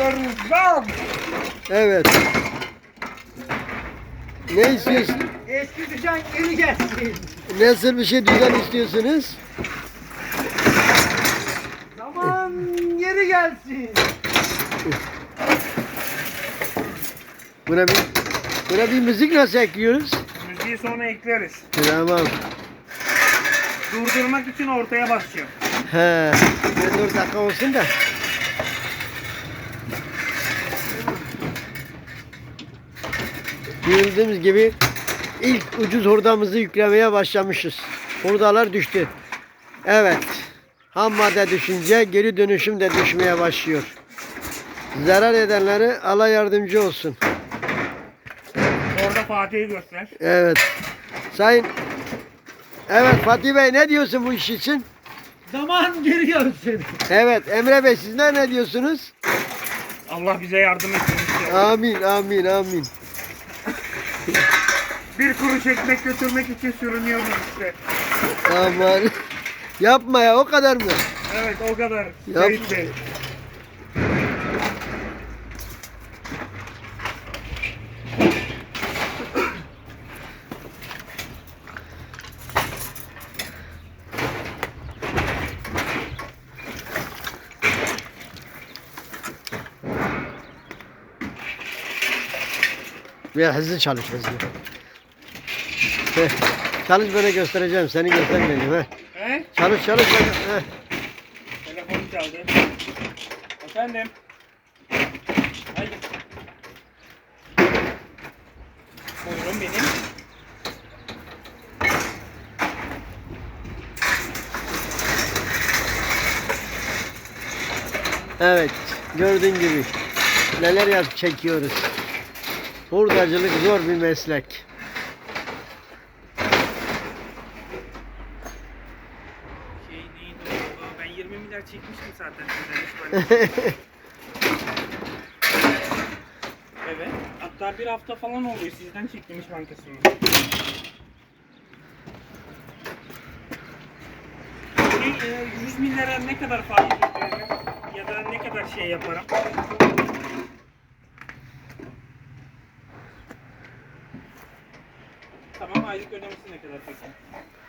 istiyoruz. Zam. Evet. Ne istiyorsun? Eski düzen geri gelsin. Nasıl bir şey düzen istiyorsunuz? Zaman geri gelsin. Buna bir müzik nasıl ekliyoruz? Müziği sonra ekleriz. Tamam. Durdurmak için ortaya basacağım. He. 4 dakika olsun da. Bildiğimiz gibi ilk ucuz hurdamızı yüklemeye başlamışız. Hurdalar düştü. Evet. Ham madde düşünce geri dönüşüm de düşmeye başlıyor. Zarar edenleri Allah yardımcı olsun. Orada Fatih'i göster. Evet. Sayın Evet Fatih Bey ne diyorsun bu iş için? Zaman geri gelsin. Evet Emre Bey sizler ne diyorsunuz? Allah bize yardım etsin. Amin amin amin. Bir kuruş ekmek götürmek için sürünüyoruz işte. Aman. Yapma ya o kadar mı? Evet o kadar. Yap. Seyit Bey. Biraz hızlı çalış hızlı. Heh. Çalış böyle göstereceğim. Seni göstermeyeceğim. Heh. He? Çalış çalış. Heh. Telefonu çaldı. Efendim. Hayır. Buyurun benim. Evet. Gördüğün gibi. Neler çekiyoruz. Hurdacılık zor bir meslek. Neydi o? Ben 20 milyar çekmiştim zaten sizden hiç böyle. Evet. Hatta bir hafta falan oluyor sizden çektim İş Bankası'nı. Peki 100 milyara ne kadar faiz ödeyeceğim? Ya da ne kadar şey yaparım? Tamam aylık ödemesi ne kadar peki?